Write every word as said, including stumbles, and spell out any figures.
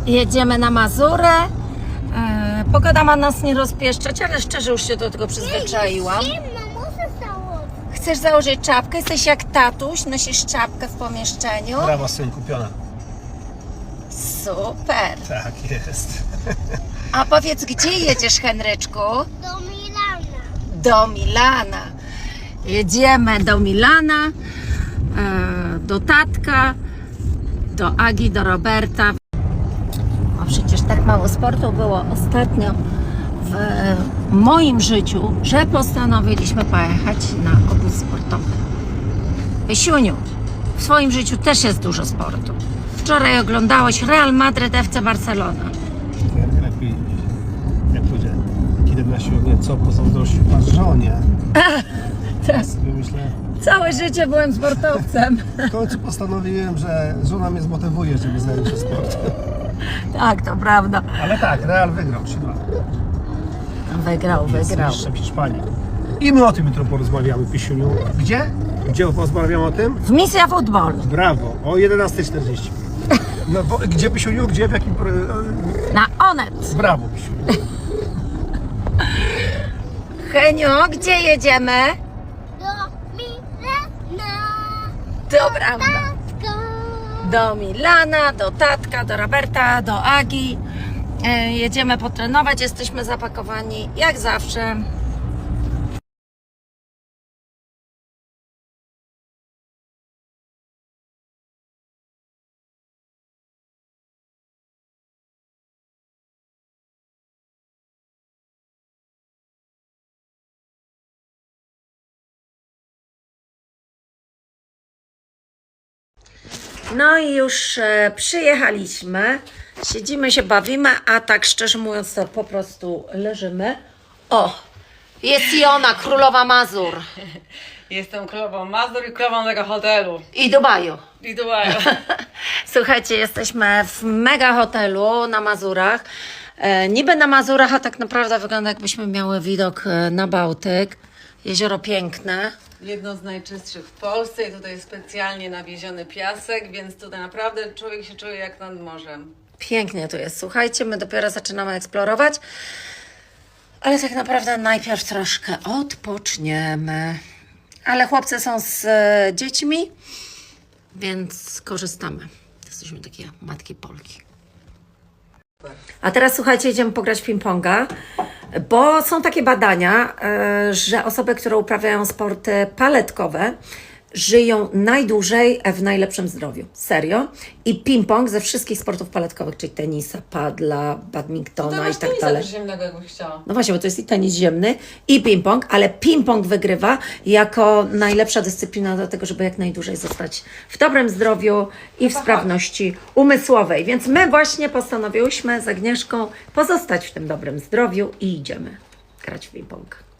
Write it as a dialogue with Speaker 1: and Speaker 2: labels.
Speaker 1: Jedziemy na Mazurę. E, pogoda ma nas nie rozpieszczać, ale szczerze już się do tego przyzwyczaiłam. Chcesz założyć czapkę? Jesteś jak tatuś, nosisz czapkę w pomieszczeniu.
Speaker 2: Brawa, syn, kupiona.
Speaker 1: Super.
Speaker 2: Tak jest.
Speaker 1: A powiedz, gdzie jedziesz, Henryczku?
Speaker 3: Do Milana.
Speaker 1: Do Milana. Jedziemy do Milana, e, do tatka, do Agi, do Roberta. A przecież tak mało sportu było ostatnio w moim życiu, że postanowiliśmy pojechać na obóz sportowy. Wysiuniu, w swoim życiu też jest dużo sportu. Wczoraj oglądałeś Real Madryt F C Barcelona.
Speaker 2: Jak lepiej, jak pójdzie, kiedy na siłownię, co pozazdrościł pan żonie.
Speaker 1: Tak.
Speaker 2: Sobie myślę,
Speaker 1: Całe życie byłem sportowcem.
Speaker 2: w końcu postanowiłem, że żona mnie zmotywuje, żeby zająć się sportem.
Speaker 1: Tak, to prawda.
Speaker 2: Ale tak, Real wygrał trzy dwa.
Speaker 1: Wygrał,
Speaker 2: Jest
Speaker 1: wygrał.
Speaker 2: mistrzem Hiszpanii. I my o tym jutro porozmawiamy, Pisiuniu. Gdzie? Gdzie porozmawiamy o tym?
Speaker 1: W Misja Futbol.
Speaker 2: Brawo, o jedenasta czterdzieści. No, bo, gdzie, Pisiuniu? Gdzie, w jakim...
Speaker 1: Na Onet.
Speaker 2: Brawo, Pisiuniu.
Speaker 1: Heniu, gdzie jedziemy?
Speaker 3: Do Milana.
Speaker 1: To prawda.
Speaker 3: Tatko.
Speaker 1: Do Milana, do tatka, do Roberta, do Agi. E, jedziemy potrenować, jesteśmy zapakowani jak zawsze. No i już e, przyjechaliśmy, siedzimy się, bawimy, a tak szczerze mówiąc to po prostu leżymy. O, jest i ona, królowa Mazur
Speaker 4: Jestem królową Mazur i królową tego hotelu.
Speaker 1: i Dubaju.
Speaker 4: I Dubaju.
Speaker 1: Słuchajcie, jesteśmy w mega hotelu na Mazurach. E, niby na Mazurach, a tak naprawdę wygląda jakbyśmy miały widok e, na Bałtyk. Jezioro piękne.
Speaker 4: Jedno z najczystszych w Polsce i tutaj jest specjalnie nawieziony piasek, więc tutaj naprawdę człowiek się czuje jak nad morzem.
Speaker 1: Pięknie tu jest. Słuchajcie, my dopiero zaczynamy eksplorować, ale tak naprawdę najpierw troszkę odpoczniemy. Ale chłopcy są z e, dziećmi, więc korzystamy. Jesteśmy takie matki Polki. A teraz słuchajcie, idziemy pograć w ping-ponga, bo są takie badania, e, że osoby, które uprawiają sporty paletkowe, żyją najdłużej w najlepszym zdrowiu. Serio. I ping-pong ze wszystkich sportów paletkowych, czyli tenisa, padla, badmintona i tak dalej.
Speaker 4: Ziemnego, jakbyś chciała.
Speaker 1: No właśnie, bo to jest i tenis ziemny, i ping-pong, ale ping-pong wygrywa jako najlepsza dyscyplina do tego, żeby jak najdłużej zostać w dobrym zdrowiu i w sprawności umysłowej. Więc my właśnie postanowiłyśmy z Agnieszką pozostać w tym dobrym zdrowiu i idziemy grać w ping-pong.